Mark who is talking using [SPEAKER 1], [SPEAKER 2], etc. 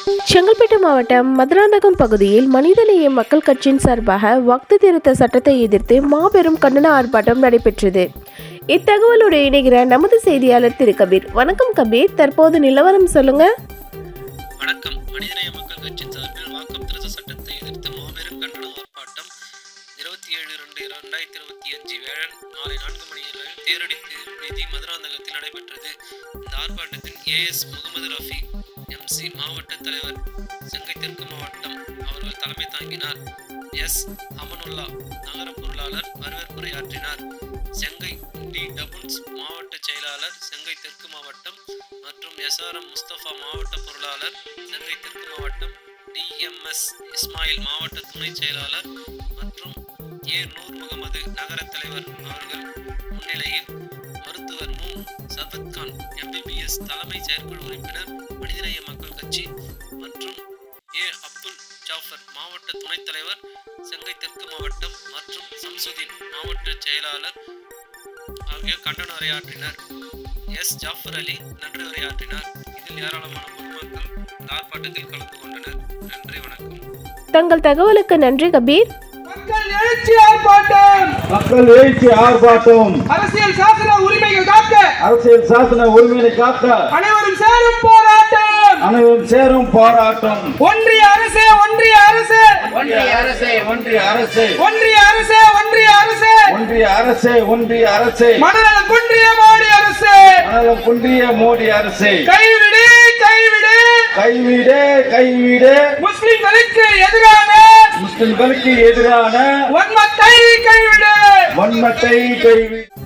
[SPEAKER 1] செங்கல்பட்டு மாவட்டம் மதுராந்தகம் பகுதியில் மனிதநேய மக்கள் கட்சியின் சார்பாக வக்ஃப் திருத்த சட்டத்தை எதிர்த்து மாபெரும் கண்டன ஆர்ப்பாட்டம் நடைபெற்றது. இத்தகவலோடு இணைகிற நமது செய்தியாளர் திரு கபீர். வணக்கம் கபீர், தற்போது நிலவரம் சொல்லுங்க.
[SPEAKER 2] வணக்கம். மனிதநேய மக்கள் கட்சியின் சார்பில் வக்ஃப் திருத்த சட்டத்தை எதிர்த்து மாபெரும் கண்டன ஆர்ப்பாட்டம் 27/2/2025 வியாழன் மாலை 4 மணி அளவில் தேரடி வீதி மதுராந்தகத்தில் நடைபெற்றது. இந்த ஆர்ப்பாட்டத்தில் AS முகமது ரஃபி MC மாவட்ட தலைவர் செங்கை தெற்கு மாவட்டம் அவர்கள் தலைமை தாங்கினார். S அமனுல்லா நகர பொருளாளர் வரவேற்புரையாற்றினார். செங்கை டி டபுள்ஸ் மாவட்ட செயலாளர் செங்கை தெற்கு மாவட்டம் மற்றும் SRM முஸ்தபா மாவட்ட பொருளாளர் செங்கை தெற்கு மாவட்டம், DMS இஸ்மாயில் மாவட்ட துணை செயலாளர் மற்றும் நூர் முகமது நகர தலைவர் அவர்கள் முன்னிலையில் மருத்துவர் மு சபத்கான் MBBS தலைமை செயற்குழு உறுப்பினர் மனிதநேய மக்கள் கட்சி மற்றும் அப்துல் ஜாஃபர் மாவட்ட துணைத் தலைவர் செங்கை தெற்கு மாவட்டம் மற்றும் சம்சுதீன் மாவட்ட செயலாளர் ஆகியோர் கண்டன உரையாற்றினர். ஜாஃபர் அலி நன்றி உரையாற்றினார். இதில் ஏராளமான பொதுமக்கள் ஆர்ப்பாட்டத்தில் கலந்து கொண்டனர். நன்றி, வணக்கம்.
[SPEAKER 1] தங்கள் தகவலுக்கு நன்றி கபீர்.
[SPEAKER 3] மக்கள் எழுச்சி ஆர்ப்பாட்டம்,
[SPEAKER 4] மக்கள் எழுச்சி ஆர்ப்பாட்டம்.
[SPEAKER 3] அரசியல் சாசன உரிமைகள் காக்க,
[SPEAKER 4] அரசியல் சாசன உரிமையை காக்க
[SPEAKER 3] அனைவரும் சேரும் போராட்டம்,
[SPEAKER 4] அனைவரும் சேரும் போராட்டம்.
[SPEAKER 3] ஒன்றிய அரசே, ஒன்றிய அரசே,
[SPEAKER 4] ஒன்றிய அரசே, ஒன்றிய அரசே,
[SPEAKER 3] ஒன்றிய அரசே, ஒன்றிய அரசே,
[SPEAKER 4] ஒன்றிய அரசே, ஒன்றிய அரசே,
[SPEAKER 3] மனநலம் குன்றிய மோடி அரசே,
[SPEAKER 4] மனநலம் குன்றிய மோடி அரசே,
[SPEAKER 3] கைவிடு, கைவிடு,
[SPEAKER 4] கைவிடு, கைவிடு,
[SPEAKER 3] முஸ்லிம்களுக்கு எதிரான,
[SPEAKER 4] முஸ்லிம்களுக்கு எதிரான
[SPEAKER 3] வன்மத்தை கைவிடு,
[SPEAKER 4] வன்மத்தை கைவிடு.